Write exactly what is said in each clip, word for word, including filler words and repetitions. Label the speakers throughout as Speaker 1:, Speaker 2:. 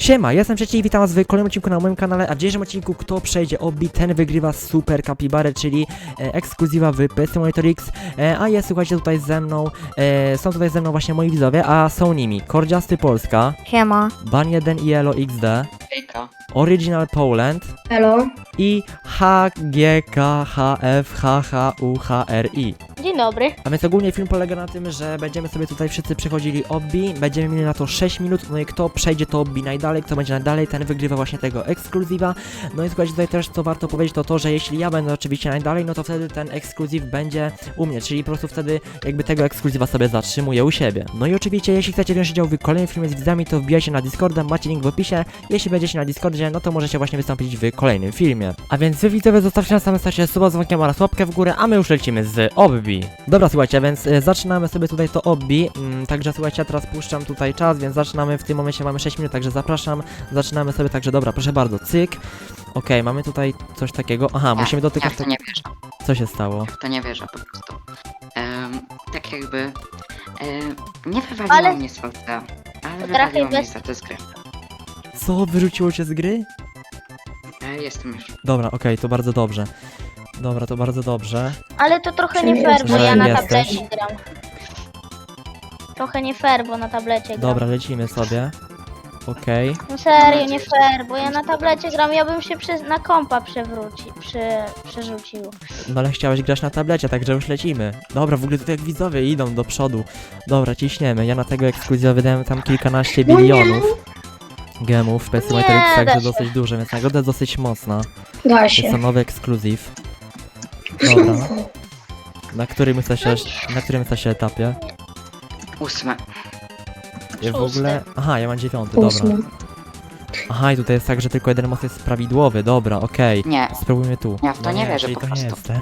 Speaker 1: Siema, ja jestem Trzeci i witam was w kolejnym odcinku na moim kanale, a w dzisiejszym odcinku kto przejdzie obbi, ten wygrywa Super Capybara, czyli e, ekskluzywa w P S Simulator X, e, a jest, słuchajcie, tutaj ze mną, e, są tutaj ze mną właśnie moi widzowie, a są nimi Kordziasty Polska,
Speaker 2: Siema.
Speaker 1: Ban jeden i Elo X D,
Speaker 3: Hejka.
Speaker 1: Original Poland
Speaker 2: Hello.
Speaker 1: i H G K H F H H U H R I.
Speaker 4: Dzień dobry.
Speaker 1: A więc ogólnie film polega na tym, że będziemy sobie tutaj wszyscy przechodzili obbi, będziemy mieli na to sześć minut, no i kto przejdzie to obbi najdalej, kto będzie najdalej, ten wygrywa właśnie tego ekskluzywa. No i słuchajcie, tutaj też co warto powiedzieć to to, że jeśli ja będę oczywiście najdalej, no to wtedy ten ekskluzyw będzie u mnie, czyli po prostu wtedy jakby tego ekskluzywa sobie zatrzymuję u siebie. No i oczywiście jeśli chcecie wziąć udział w kolejnym filmie z widzami, to wbijajcie na Discorda, macie link w opisie. Jeśli będziecie na Discordzie, no to możecie właśnie wystąpić w kolejnym filmie. A więc wy widzowie zostawcie na samym starcie suba z dzwonkiem oraz łapkę w górę, a my już lecimy z obbi. Dobra, słuchajcie, więc y, zaczynamy sobie tutaj to obbi, mm, także słuchajcie, ja teraz puszczam tutaj czas, więc zaczynamy, w tym momencie mamy sześć minut, także zapraszam, zaczynamy sobie, także dobra, proszę bardzo, cyk. Okej, okay, mamy tutaj coś takiego, aha,
Speaker 3: Nie,
Speaker 1: musimy dotykać...
Speaker 3: Ja w to nie wierzę.
Speaker 1: Co się stało?
Speaker 3: W to nie wierzę po prostu. Um, tak jakby... Um, nie wywaliło
Speaker 4: Ale-
Speaker 3: mnie z V C, ale
Speaker 4: Potrafię
Speaker 3: wywaliło mnie
Speaker 4: bez-
Speaker 3: za te z gry.
Speaker 1: Co, wyrzuciło cię z gry?
Speaker 3: E, jestem już.
Speaker 1: Dobra, okej, okay, to bardzo dobrze. Dobra, to bardzo dobrze.
Speaker 4: Ale to trochę
Speaker 2: Czym
Speaker 4: nie fair, bo
Speaker 1: jesteś?
Speaker 4: ja na
Speaker 1: Jesteś?
Speaker 4: tablecie gram. Trochę nie fair, bo na tablecie gram.
Speaker 1: Dobra, lecimy sobie. Okej. Okay.
Speaker 4: No serio, nie fair, bo ja na tablecie gram, ja bym się przy, na kompa przewrócił, przy, przerzucił.
Speaker 1: No ale chciałeś grać na tablecie, także już lecimy. Dobra, w ogóle tutaj jak widzowie idą do przodu. Dobra, ciśniemy. Ja na tego ekskluzywa wydałem tam kilkanaście bilionów gemów w P S Simulator X,
Speaker 4: Nie,
Speaker 1: także
Speaker 4: da się.
Speaker 1: dosyć duże, więc nagroda jest dosyć mocna.
Speaker 2: Da
Speaker 1: Jest to
Speaker 2: się.
Speaker 1: nowy ekskluzyw. Dobra. Na którym jesteście, na którym jesteście etapie?
Speaker 3: Ósme.
Speaker 1: Ja w
Speaker 4: Szósty.
Speaker 1: ogóle... Aha, ja mam dziewiąty, dobra.
Speaker 2: Ósmy.
Speaker 1: Aha, i tutaj jest tak, że tylko jeden most jest prawidłowy, dobra, okej.
Speaker 3: Nie.
Speaker 1: Spróbujmy tu.
Speaker 3: Ja w to
Speaker 1: No
Speaker 3: nie wierzę
Speaker 1: czyli
Speaker 3: po
Speaker 1: to nie
Speaker 3: prostu.
Speaker 1: jest ten.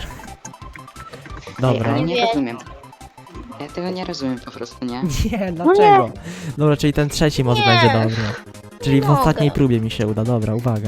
Speaker 3: Ej,
Speaker 1: Dobra.
Speaker 3: ale
Speaker 4: Nie
Speaker 3: nie
Speaker 4: wiem.
Speaker 3: rozumiem. Ja tego nie rozumiem po prostu, nie?
Speaker 1: Nie, dlaczego? Dobra, czyli ten trzeci most
Speaker 4: Nie.
Speaker 1: będzie dobry. Czyli w
Speaker 4: Mogę.
Speaker 1: ostatniej próbie mi się uda, dobra, uwaga.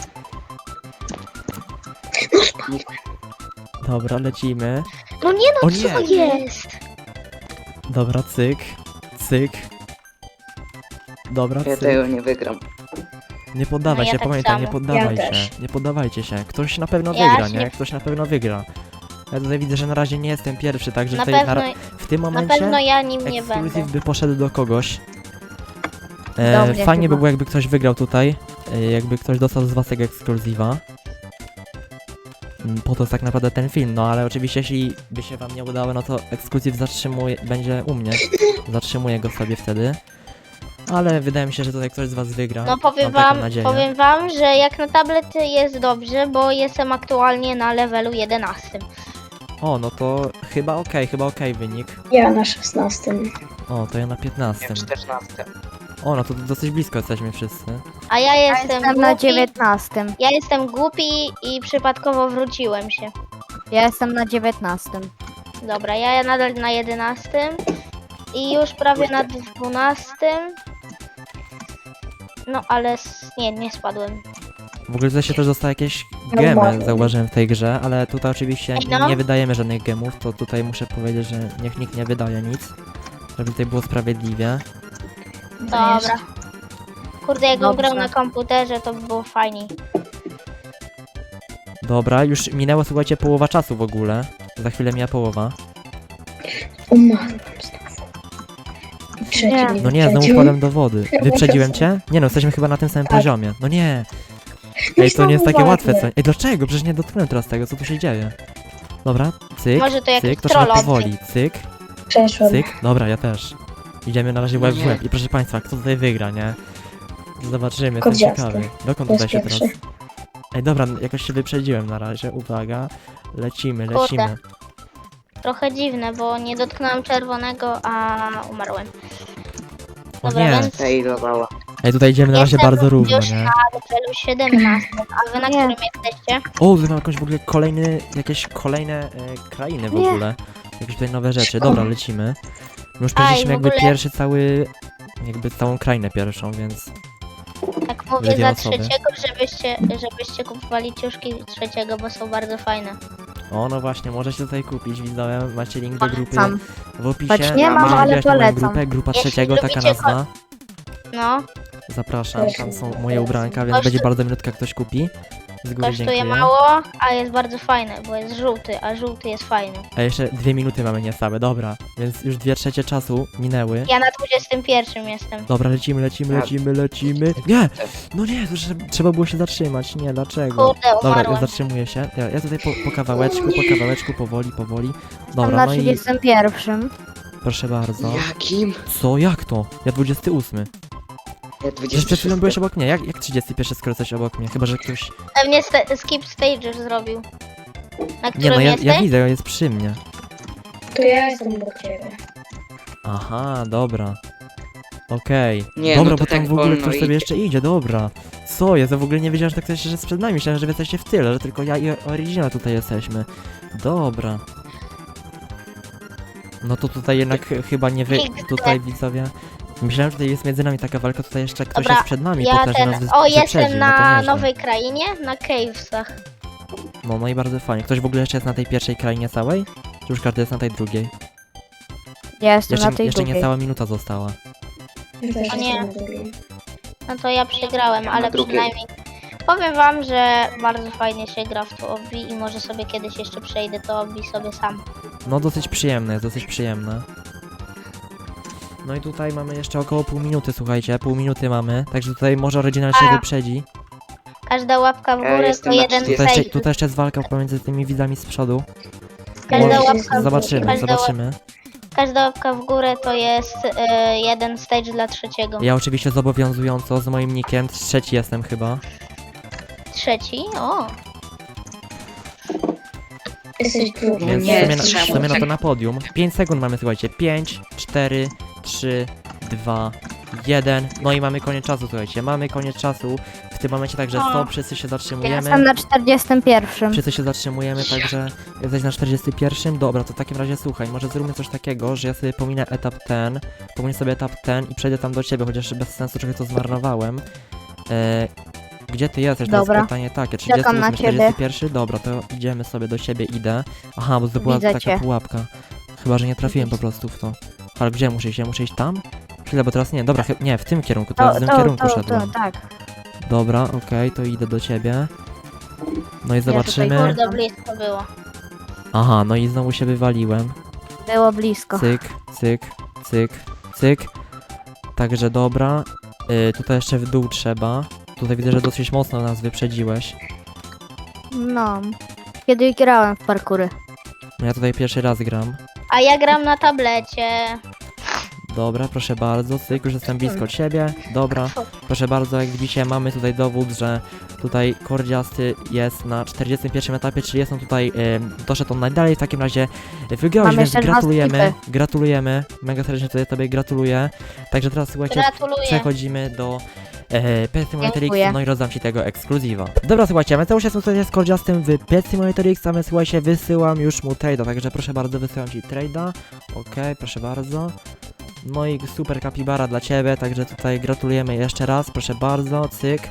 Speaker 1: Dobra, lecimy.
Speaker 4: No nie
Speaker 1: O
Speaker 4: no,
Speaker 1: nie.
Speaker 4: co jest?
Speaker 1: Dobra, cyk, cyk. Dobra,
Speaker 3: Ja
Speaker 1: cyk.
Speaker 3: tego nie wygram.
Speaker 1: Nie poddawaj
Speaker 4: No ja
Speaker 1: się,
Speaker 4: tak
Speaker 1: pamiętaj, nie
Speaker 4: samo.
Speaker 1: poddawaj
Speaker 2: Ja
Speaker 1: się.
Speaker 2: też.
Speaker 1: Nie poddawajcie się. Ktoś na pewno
Speaker 4: Ja
Speaker 1: wygra,
Speaker 4: się
Speaker 1: nie?
Speaker 4: nie-
Speaker 1: Ktoś na pewno wygra. Ja tutaj widzę, że na razie nie jestem pierwszy, także
Speaker 4: Na
Speaker 1: tutaj
Speaker 4: pewno,
Speaker 1: ra- w tym
Speaker 4: na
Speaker 1: momencie
Speaker 4: pewno ja nim nie
Speaker 1: ekskluzyw
Speaker 4: będę.
Speaker 1: by poszedł do kogoś.
Speaker 2: Do
Speaker 1: E,
Speaker 2: mnie
Speaker 1: fajnie by
Speaker 2: chyba.
Speaker 1: było, jakby ktoś wygrał tutaj. E, jakby ktoś dostał z was tego ekskluzywa. Mm, Po to jest tak naprawdę ten film, no ale oczywiście jeśli by się wam nie udało, no to ekskluzyw zatrzymuje, będzie u mnie. Zatrzymuję go sobie wtedy. Ale wydaje mi się, że tutaj ktoś z was wygra.
Speaker 4: No powiem
Speaker 1: Mam taką
Speaker 4: wam,
Speaker 1: nadzieję.
Speaker 4: powiem wam, że jak na tablety jest dobrze, bo jestem aktualnie na levelu jedenastym.
Speaker 1: O, no to chyba okej, chyba okej wynik.
Speaker 2: Ja na szesnastym.
Speaker 1: O, to ja na
Speaker 3: Ja
Speaker 1: piętnastym.
Speaker 3: czternasty.
Speaker 1: O, no to dosyć blisko jesteśmy wszyscy.
Speaker 4: A ja jestem,
Speaker 2: Jestem na
Speaker 4: głupi,
Speaker 2: dziewiętnastym.
Speaker 4: ja jestem głupi i przypadkowo wróciłem się.
Speaker 2: Ja jestem na dziewiętnastym.
Speaker 4: Dobra, ja nadal na jedenastym i już prawie na dwunastym. No ale s- nie, nie spadłem.
Speaker 1: W ogóle tutaj się też dostaje jakieś
Speaker 2: No
Speaker 1: gemy,
Speaker 2: ładnie.
Speaker 1: zauważyłem w tej grze, ale tutaj oczywiście
Speaker 4: Ej, no.
Speaker 1: nie wydajemy żadnych gemów, to tutaj muszę powiedzieć, że niech nikt nie wydaje nic, żeby tutaj było sprawiedliwie.
Speaker 4: Dobra. Kurde, jakbym
Speaker 2: Dobrze.
Speaker 4: grał na komputerze, to by było fajniej.
Speaker 1: Dobra, już minęła, słuchajcie, połowa czasu w ogóle. Za chwilę mija połowa.
Speaker 2: Umarłam znowu. Trzeci
Speaker 4: Nie.
Speaker 2: mnie
Speaker 1: No nie, znowu
Speaker 2: wyprzedził.
Speaker 1: wpadłem do wody.
Speaker 2: Ja
Speaker 1: Wyprzedziłem
Speaker 2: też.
Speaker 1: cię? Nie no, jesteśmy chyba na tym samym
Speaker 2: Tak.
Speaker 1: poziomie. No nie.
Speaker 2: No
Speaker 1: Ej, to
Speaker 2: znowu
Speaker 1: nie jest takie
Speaker 2: ładnie.
Speaker 1: łatwe, co? Ej, dlaczego? Przecież nie dotknąłem teraz tego, co tu się dzieje. Dobra, cyk,
Speaker 4: Może to jakiś
Speaker 1: cyk, to trzeba
Speaker 4: troll
Speaker 1: powoli, cyk.
Speaker 2: Przeszłam.
Speaker 1: Cyk, dobra, ja też. Idziemy na razie łeb w
Speaker 3: Nie.
Speaker 1: łeb. I proszę państwa, kto tutaj wygra, nie? Zobaczymy, jestem
Speaker 2: Kordziasty.
Speaker 1: ciekawy. Dokąd
Speaker 2: To
Speaker 1: tutaj
Speaker 2: jest
Speaker 1: się
Speaker 2: pierwszy.
Speaker 1: teraz... Ej, dobra, jakoś się wyprzedziłem na razie, uwaga. Lecimy,
Speaker 4: Kurde.
Speaker 1: lecimy.
Speaker 4: Trochę dziwne, bo nie dotknąłem czerwonego, a umarłem.
Speaker 1: O
Speaker 4: Dobra,
Speaker 1: nie.
Speaker 4: więc
Speaker 3: Failowała.
Speaker 1: Ej, tutaj idziemy na razie
Speaker 4: Jestem
Speaker 1: bardzo równo,
Speaker 4: już
Speaker 1: nie?
Speaker 4: na levelu siedemnastym, a wy na
Speaker 2: Nie.
Speaker 4: którym jesteście?
Speaker 1: O, tu mam jakąś w ogóle kolejny, jakieś kolejne e, krainy w
Speaker 2: Nie.
Speaker 1: ogóle. Jakieś tutaj nowe rzeczy. Dobra, lecimy. My już przeszliśmy
Speaker 4: w
Speaker 1: jakby
Speaker 4: ogóle-
Speaker 1: pierwszy cały... Jakby całą krainę pierwszą, więc...
Speaker 4: Tak mówię
Speaker 1: Dwie
Speaker 4: za
Speaker 1: osoby.
Speaker 4: trzeciego, żebyście, żebyście kupowali ciuszki trzeciego, bo są bardzo fajne.
Speaker 1: O, no właśnie, możecie tutaj kupić, widzowie, macie link do grupy
Speaker 2: Polecam.
Speaker 1: w opisie.
Speaker 2: Choć nie
Speaker 3: mam,
Speaker 1: Możecie
Speaker 2: ale
Speaker 1: wbijać na moją
Speaker 2: polecam.
Speaker 1: grupę, grupa
Speaker 4: Jeśli
Speaker 1: trzeciego, taka
Speaker 4: lubicie
Speaker 1: nazwa.
Speaker 4: No,
Speaker 1: Zapraszam, tam są moje ubranka, więc będzie bardzo minutka, ktoś kupi. Z góry
Speaker 4: Kosztuje
Speaker 1: dziękuję.
Speaker 4: mało, a jest bardzo fajny, bo jest żółty, a żółty jest fajny.
Speaker 1: A jeszcze dwie minuty mamy niecałe, dobra. Więc już dwie trzecie czasu minęły.
Speaker 4: Ja na dwudziestym pierwszym jestem.
Speaker 1: Dobra, lecimy, lecimy, lecimy, lecimy. Nie! No nie, to trze- trzeba było się zatrzymać. Nie, dlaczego?
Speaker 4: Kurde,
Speaker 1: Dobra, ja
Speaker 4: umarłem.
Speaker 1: zatrzymuję się. Ja, ja tutaj po, po kawałeczku, po kawałeczku, powoli, powoli.
Speaker 2: Tam
Speaker 1: Dobra,
Speaker 2: na
Speaker 1: no i
Speaker 2: trzydziestym pierwszym.
Speaker 1: proszę bardzo.
Speaker 3: Jakim?
Speaker 1: Co? Jak to? Ja dwudziesty ósmy.
Speaker 3: Ja
Speaker 1: Przecież przed chwilą
Speaker 3: dwudziesty
Speaker 1: byłeś obok mnie. Jak, jak trzydziesty pierwszy skoro jesteś obok mnie? Chyba, że ktoś...
Speaker 4: Pewnie sta- skip stage już zrobił. Na
Speaker 1: Nie
Speaker 4: którym
Speaker 1: no, ja,
Speaker 4: jesteś?
Speaker 1: ja widzę, jest przy mnie.
Speaker 2: To ja jestem obok ciebie.
Speaker 1: Aha, dobra. Okej.
Speaker 3: Nie,
Speaker 1: Dobra,
Speaker 3: no to
Speaker 1: bo tam
Speaker 3: tak
Speaker 1: w ogóle
Speaker 3: wolno
Speaker 1: ktoś sobie
Speaker 3: idzie.
Speaker 1: jeszcze idzie, dobra. Co jest? Ja w ogóle nie wiedziałem, że tak ktoś że jest przed nami. Myślałem, że wy jesteście w tyle, że tylko ja i Original tutaj jesteśmy. Dobra. No to tutaj jednak ch- chyba nie wy...
Speaker 4: Piękne.
Speaker 1: Tutaj widzowie... Myślałem, że tutaj jest między nami taka walka, tutaj jeszcze ktoś
Speaker 4: Dobra,
Speaker 1: jest przed nami,
Speaker 4: Ja
Speaker 1: pokaże
Speaker 4: ten.
Speaker 1: nas wy-
Speaker 4: O,
Speaker 1: wyprzedził,
Speaker 4: jestem
Speaker 1: no to
Speaker 4: na
Speaker 1: nieźle.
Speaker 4: nowej krainie, na Cavesach.
Speaker 1: No, no i bardzo fajnie. Ktoś w ogóle jeszcze jest na tej pierwszej krainie całej? Czy już każdy jest na tej drugiej?
Speaker 2: Ja jestem
Speaker 1: Jeszcze,
Speaker 2: na tej
Speaker 1: jeszcze
Speaker 2: drugiej.
Speaker 1: niecała minuta została.
Speaker 2: Ja też
Speaker 4: O nie.
Speaker 2: jestem na drugiej.
Speaker 4: No to ja przegrałem, ale
Speaker 3: drugiej.
Speaker 4: przynajmniej powiem wam, że bardzo fajnie się gra w to obbi i może sobie kiedyś jeszcze przejdę to obbi sobie sam.
Speaker 1: No dosyć przyjemne, jest dosyć przyjemne. No i tutaj mamy jeszcze około pół minuty, słuchajcie, pół minuty mamy, także tutaj może oryginal się
Speaker 4: A.
Speaker 1: wyprzedzi.
Speaker 4: Każda łapka w
Speaker 3: Ja
Speaker 4: górę to
Speaker 3: jestem na
Speaker 4: jeden
Speaker 3: trzydziestu.
Speaker 1: Tutaj jeszcze,
Speaker 4: stage.
Speaker 1: tutaj jeszcze jest walka pomiędzy tymi widzami z przodu.
Speaker 4: Każda
Speaker 2: Może-
Speaker 4: łapka w górę,
Speaker 1: Zobaczymy,
Speaker 4: każda,
Speaker 1: zobaczymy.
Speaker 4: każda łapka w górę to jest e, jeden stage dla trzeciego.
Speaker 1: Ja oczywiście zobowiązująco z moim nickiem, trzeci jestem chyba.
Speaker 4: Trzeci? O!
Speaker 2: Jesteś drugi.
Speaker 1: Więc
Speaker 3: nie,
Speaker 1: w sumie, na, w
Speaker 3: trzeba
Speaker 1: sumie no to
Speaker 3: czekać.
Speaker 1: na podium. pięć sekund mamy, słuchajcie. pięć, cztery, trzy, dwa, jeden. No i mamy koniec czasu, słuchajcie. Mamy koniec czasu. W tym momencie także
Speaker 4: O.
Speaker 1: stop, wszyscy się
Speaker 2: Ja
Speaker 1: zatrzymujemy.
Speaker 2: jestem na czterdziestym pierwszym.
Speaker 1: Wszyscy się zatrzymujemy, także jesteś na czterdziestym pierwszym. Dobra, to w takim razie słuchaj, może zróbmy coś takiego, że ja sobie pominę etap ten, pominę sobie etap ten i przejdę tam do ciebie, chociaż bez sensu trochę to zmarnowałem. E, gdzie ty jesteś? To
Speaker 2: Dobra.
Speaker 1: jest pytanie takie, trzydziesty
Speaker 2: Czekam na
Speaker 1: ósmy,
Speaker 2: ciebie.
Speaker 1: czterdziesty pierwszy? Dobra, to idziemy sobie do ciebie, idę. Aha, bo to była
Speaker 2: Widzę
Speaker 1: taka
Speaker 2: cię.
Speaker 1: pułapka. Chyba, że nie trafiłem po prostu w to. Ale gdzie muszę iść? Ja muszę iść tam? Chwilę, bo teraz nie, dobra, chy- nie, w tym kierunku, teraz w tym kierunku szedłem.
Speaker 2: tak.
Speaker 1: Dobra, okej, to idę do ciebie. No i zobaczymy.
Speaker 4: Kurde, blisko było.
Speaker 1: Aha, no i znowu się wywaliłem.
Speaker 2: Było blisko.
Speaker 1: Cyk, cyk, cyk, cyk. Także dobra. Y, tutaj jeszcze w dół trzeba. Tutaj widzę, że dosyć mocno nas wyprzedziłeś.
Speaker 2: No. Kiedy grałem w parkury.
Speaker 1: No ja tutaj pierwszy raz gram.
Speaker 4: A ja gram na tablecie.
Speaker 1: Dobra, proszę bardzo, cyk, już jestem blisko ciebie. Dobra, proszę bardzo, jak widzicie, mamy tutaj dowód, że tutaj Kordziasty jest na czterdziestym pierwszym etapie, czyli jest on tutaj, y, doszedł on najdalej. W takim razie wygrałeś,
Speaker 2: Mamy
Speaker 1: więc
Speaker 2: jeszcze dwa
Speaker 1: gratulujemy,
Speaker 2: skipy.
Speaker 1: gratulujemy, mega serdecznie tutaj tobie gratuluję. Także teraz słuchajcie,
Speaker 4: Gratuluję.
Speaker 1: przechodzimy do e, Pet Simulator X,
Speaker 2: Dziękuję.
Speaker 1: no i rozdam ci tego ekskluzywa. Dobra, słuchajcie, my cały czas tutaj z Kordziastym w Pet Simulator X, a my słuchajcie, wysyłam już mu trade'a, także proszę bardzo, wysyłam ci trade'a. Okej, proszę bardzo. No i super kapibara dla ciebie, także tutaj gratulujemy jeszcze raz, proszę bardzo, cyk.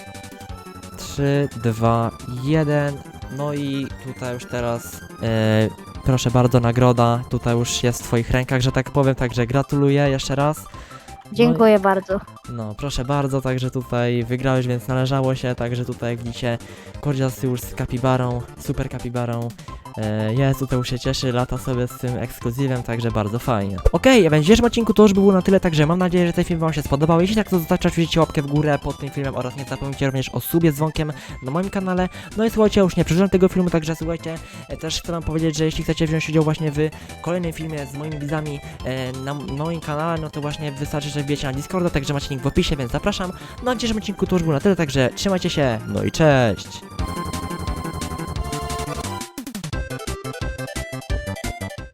Speaker 1: trzy, dwa, jeden. No i tutaj już teraz e, proszę bardzo, nagroda tutaj już jest w twoich rękach, że tak powiem, także gratuluję jeszcze raz.
Speaker 2: Dziękuję bardzo.
Speaker 1: No, proszę bardzo, także tutaj wygrałeś, więc należało się, także tutaj jak widzicie, Kordziasty już z kapibarą, super kapibarą, e, jest, tutaj już się cieszy, lata sobie z tym ekskluzywem, także bardzo fajnie. Okej, okay, w dzisiejszym odcinku to już by było na tyle, także mam nadzieję, że ten film wam się spodobał. Jeśli tak, to zostawcie oczywiście łapkę w górę pod tym filmem oraz nie zapomnijcie również o subie z dzwonkiem na moim kanale. No i słuchajcie, ja już nie przedłużam tego filmu, także słuchajcie, e, też chcę wam powiedzieć, że jeśli chcecie wziąć udział właśnie w kolejnym filmie z moimi widzami e, na moim kanale, no to właśnie wystarczy, że wbijecie na Discorda, także macie link w opisie, więc zapraszam. No a w dzisiejszym odcinku to już było na tyle, także trzymajcie się, no i cześć!